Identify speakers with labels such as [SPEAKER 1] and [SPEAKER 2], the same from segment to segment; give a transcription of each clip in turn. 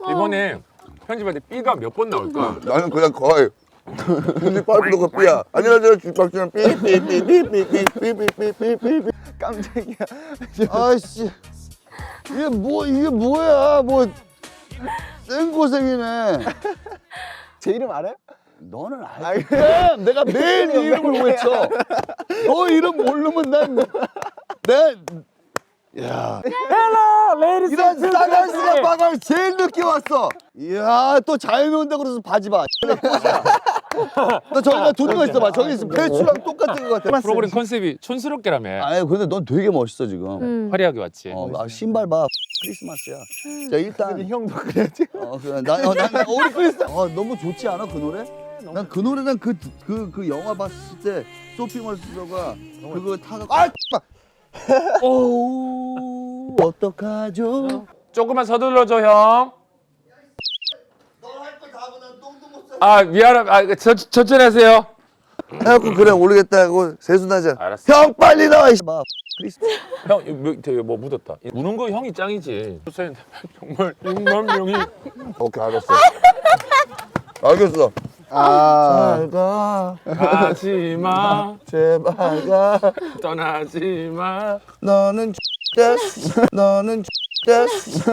[SPEAKER 1] 이번에 편집할 때 B가 몇 번 나올까?
[SPEAKER 2] 나는 그냥 거의 편집 빨리 거 B야. 안녕하세요 주박준영 삐삐삐삐삐삐삐삐삐삐삐.
[SPEAKER 3] 깜짝이야.
[SPEAKER 2] 아이씨 이게 뭐야 뭐 생고생이네.
[SPEAKER 3] 제 이름 알아요?
[SPEAKER 2] 너는 알지. 내가 매일 네 이름을 외쳐. 너 이름 모르면 야.
[SPEAKER 1] 헬로 레이디스
[SPEAKER 2] 이런 싸갈스가 빠갈 제일 늦게 왔어. 이야 또 잘 논다 그래서 바지 봐. 너 저기가 두는 거 있어 봐. 저기 있으면 배추랑 똑같은 거 같아.
[SPEAKER 1] 프로그램 컨셉이 촌스럽게라며.
[SPEAKER 2] 아니 근데 넌 되게 멋있어 지금.
[SPEAKER 1] 화려하게 왔지.
[SPEAKER 2] 신발 봐. 크리스마스야. 자 일단
[SPEAKER 3] 형도 그래야지.
[SPEAKER 2] 그래. 난 우리 크리스마스. 너무 좋지 않아 그 노래? 난 그 노래랑 그 영화 봤을 때 소피 멀스가 그거 타고 오 어떡하죠?
[SPEAKER 1] 조금만 서둘러줘 형. 아 미안합니다. 천천히 하세요.
[SPEAKER 2] 해갖고 그래 모르겠다 하고 세수나자.
[SPEAKER 1] 알았어.
[SPEAKER 2] 형 빨리 나와. 막 크리스마스.
[SPEAKER 1] 형 되게 뭐 묻었다. 우는 거 형이 짱이지. 정말 6만 명이.
[SPEAKER 2] 오케이 알았어. 알겠어. 잘 가.
[SPEAKER 1] 가지 마.
[SPEAKER 2] 제발 가.
[SPEAKER 1] 떠나지 마.
[SPEAKER 2] 너는 됐어. 너는 됐어.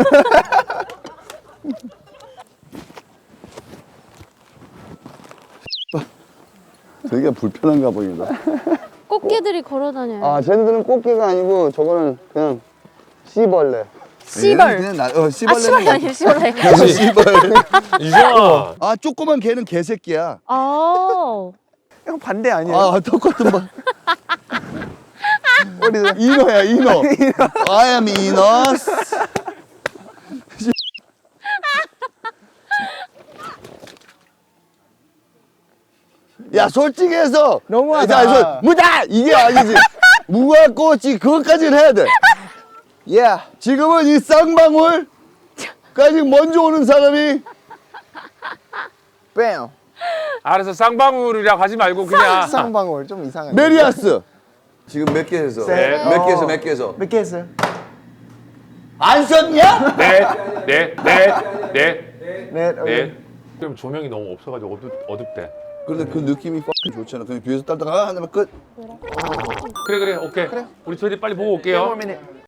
[SPEAKER 2] 되게 불편한가 보인다.
[SPEAKER 4] 꽃게들이 걸어다녀요.
[SPEAKER 2] 쟤네들은 꽃게가 아니고 저거는 그냥 씨벌레.
[SPEAKER 4] 씨벌.
[SPEAKER 2] 그냥 씨벌레는
[SPEAKER 4] 씨벌이 아니에요, 씨벌레.
[SPEAKER 2] 씨벌레.
[SPEAKER 1] 이정아.
[SPEAKER 2] 조그만 개는 개새끼야.
[SPEAKER 3] 형 반대 아니에요?
[SPEAKER 2] 똑같은 봐. 이노야, 이노. I am 이노스. 야, 솔직히 해서.
[SPEAKER 3] 너무하다.
[SPEAKER 2] 무다! 이게 아니지. 무가 꽃이 그것까지는 해야 돼.
[SPEAKER 3] 예.
[SPEAKER 2] 지금은 이 쌍방울까지 먼저 오는 사람이
[SPEAKER 3] 뺨.
[SPEAKER 1] 알아서 쌍방울이라고 하지 말고 그냥.
[SPEAKER 3] 쌍방울 좀 이상한데.
[SPEAKER 2] 메리아스. 지금 몇 개 해서?
[SPEAKER 1] 네.
[SPEAKER 2] 몇 개 해서 몇 개 해서?
[SPEAKER 3] 몇 개 했어요?
[SPEAKER 2] 안 썼냐?
[SPEAKER 1] 네.
[SPEAKER 3] 네.
[SPEAKER 1] 그럼 조명이 너무 없어가지고 어둡대.
[SPEAKER 2] 근데 그 느낌이 좋잖아. 그냥 뒤에서 딸다가 하면 끝.
[SPEAKER 1] 그래 오케이. 우리 저희 빨리 보고 올게요.
[SPEAKER 3] minute.